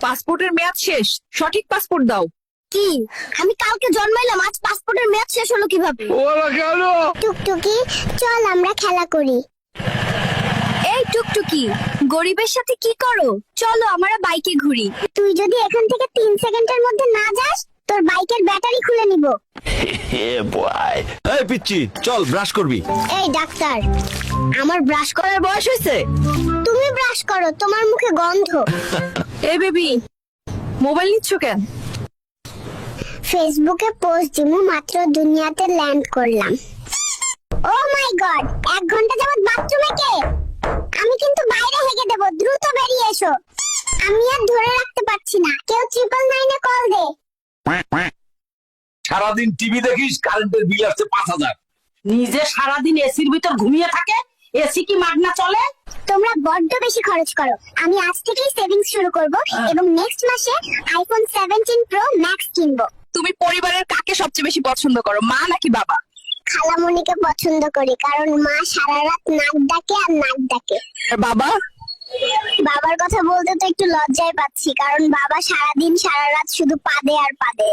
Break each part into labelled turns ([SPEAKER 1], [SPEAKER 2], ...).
[SPEAKER 1] পাসপোর্টের মেয়াদ শেষ, সঠিক পাসপোর্ট দাও।
[SPEAKER 2] কি? আমি কালকে জন্মাইলাম, আজ পাসপোর্টের মেয়াদ শেষ হলো কিভাবে? টুকটুকি, চল আমরা খেলা করি। এই টুকটুকি, গরিবের সাথে কি করো? চলো আমরা বাইকে ঘুরি। তুই যদি এখান থেকে 3 সেকেন্ডের মধ্যে না যাস, তোর বাইকের ব্যাটারি খুলে নিব।
[SPEAKER 3] এই পিচ্চি, চল ব্রাশ করবি।
[SPEAKER 2] এই ডাক্তার, আমার ব্রাশ করার বয়স হয়েছে? তুমি ব্রাশ করো, তোমার মুখে গন্ধ।
[SPEAKER 1] এই বেবি, মোবাইল নিচ্ছ কেন?
[SPEAKER 2] ফেসবুকে পোস্ট দিমু, মাত্র দুনিয়াতে ল্যান্ড করলাম। ও মাই গড, 1 ঘন্টা যাবত বাথরুমে কে? আমি কিন্তু বাইরে হেগে দেব, দ্রুত বেরিয়ে এসো। আমি আর ধরে রাখতে পারছি না, কেউ 999 এ কল দে।
[SPEAKER 3] সারাদিন টিভি দেখিস, কারেন্টের বিল আসছে 5,000।
[SPEAKER 4] নিজে সারাদিন এসির ভিতর ঘুমিয়ে থাকে, এসি কি মাগনা চলে?
[SPEAKER 2] তোমরা বড্ড বেশি খরচ করো। আমি আজ থেকেই সেভিংস শুরু করব এবং নেক্সট মাসে আইফোন 17 প্রো ম্যাক্স কিনবো।
[SPEAKER 1] তুমি পরিবারের কাকে সবচেয়ে বেশি পছন্দ করো, মা নাকি বাবা?
[SPEAKER 2] খালামণিকে পছন্দ করি, কারণ মা সারা রাত নাক ডাকে আর নাক ডাকে।
[SPEAKER 1] আর বাবা?
[SPEAKER 2] বাবার কথা বলতে তো একটু লজ্জায় পাচ্ছি, কারণ বাবা সারাদিন সারা রাত শুধু পাদে আর পাদে।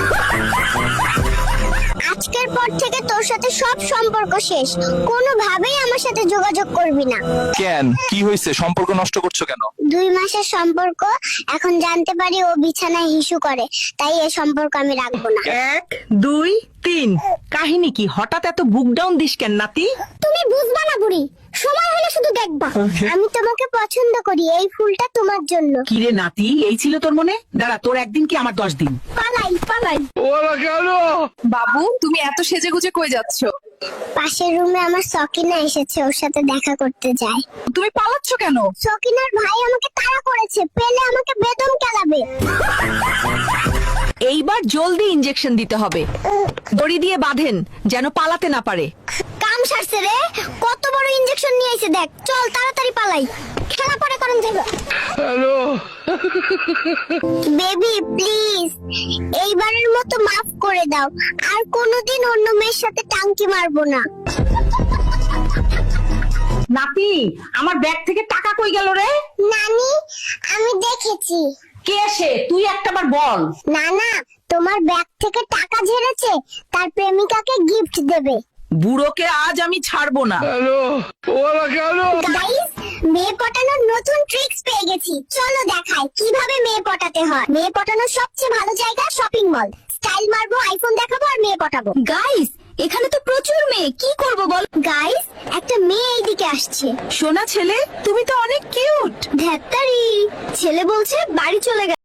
[SPEAKER 2] আজকের পর থেকে তোর সাথে সব সম্পর্ক শেষ, কোনোভাবেই আমার সাথে যোগাযোগ করবি না।
[SPEAKER 3] কেন, কি হয়েছে? সম্পর্ক নষ্ট করছো কেন?
[SPEAKER 2] 2 মাসের সম্পর্ক, এখন জানতে পারি ও বিছানায় হিসু করে, তাই এই সম্পর্ক আমি রাখবো না।
[SPEAKER 4] 1 2 3। কাহিনী কি? হঠাৎ এত বুক ডাউন দিস কেন নাতি?
[SPEAKER 2] তুমি বুঝবা না বুড়ি, সময় হলে শুধু দেখবা। আমি তোমাকে পছন্দ করি, এই ফুলটা তোমার জন্য।
[SPEAKER 4] কি রে নাতি, এই ছিল তোর মনে? দাঁড়া, তোর একদিন কি আমার 10 দিন।
[SPEAKER 2] পালাই পালাই।
[SPEAKER 1] বাবু, তুমি এত সেজেগুজে কই যাচ্ছ?
[SPEAKER 2] পাশের রুমে আমার সকিনা এসেছে, ওর সাথে দেখা করতে যাই।
[SPEAKER 1] তুমি পালাচ্ছ কেন?
[SPEAKER 2] সকিনার ভাই আমাকে তাড়া করেছে, পেলে আমাকে বেদম কেলাবে।
[SPEAKER 1] এইবার জলদি ইনজেকশন দিতে হবে, দড়ি দিয়ে বাঁধেন যেন পালাতে না পারে।
[SPEAKER 2] কাম সারছে রে, কত বড় ইনজেকশন নিয়ে এসে দেখ। চল তাড়াতাড়ি পালাই, খেলা পরে করেন যাবে। হ্যালো বেবি, প্লিজ এইবারের মতো মাফ করে দাও, আর কোনোদিন অন্য মেয়ের সাথে টাঙ্কি মারবো না।
[SPEAKER 4] নাতি, আমার ব্যাগ থেকে টাকা কই গেল রে?
[SPEAKER 2] নানি, আমি দেখেছি।
[SPEAKER 4] কে সে? তুই একটাবার বল।
[SPEAKER 2] না না, তোমার ব্যাগ থেকে টাকা ঝেড়েছে, তার প্রেমিকাকে গিফট দেবে।
[SPEAKER 1] বুড়োকে আজ আমি ছাড়বো না।
[SPEAKER 2] গাইস, মেয়ে পটানোর নতুন ট্রিক্স পেয়ে গেছি, চলো দেখাই কিভাবে মেয়ে পটাতে হয়। মেয়ে পটানোর সবচেয়ে ভালো জায়গা শপিং মল। স্টাইল মারবো, আইফোন দেখাবো আর মেয়ে পটাবো। গাইস, এখানে তো প্রচুর মেয়ে, কি করব বল? গাইস, একটা মেয়ে এইদিকে আসছে।
[SPEAKER 1] সোনা ছেলে, তুমি তো অনেক কিউট।
[SPEAKER 2] ধ্যাত্তারি, ছেলে বলছে বাড়ি চলে গেছে।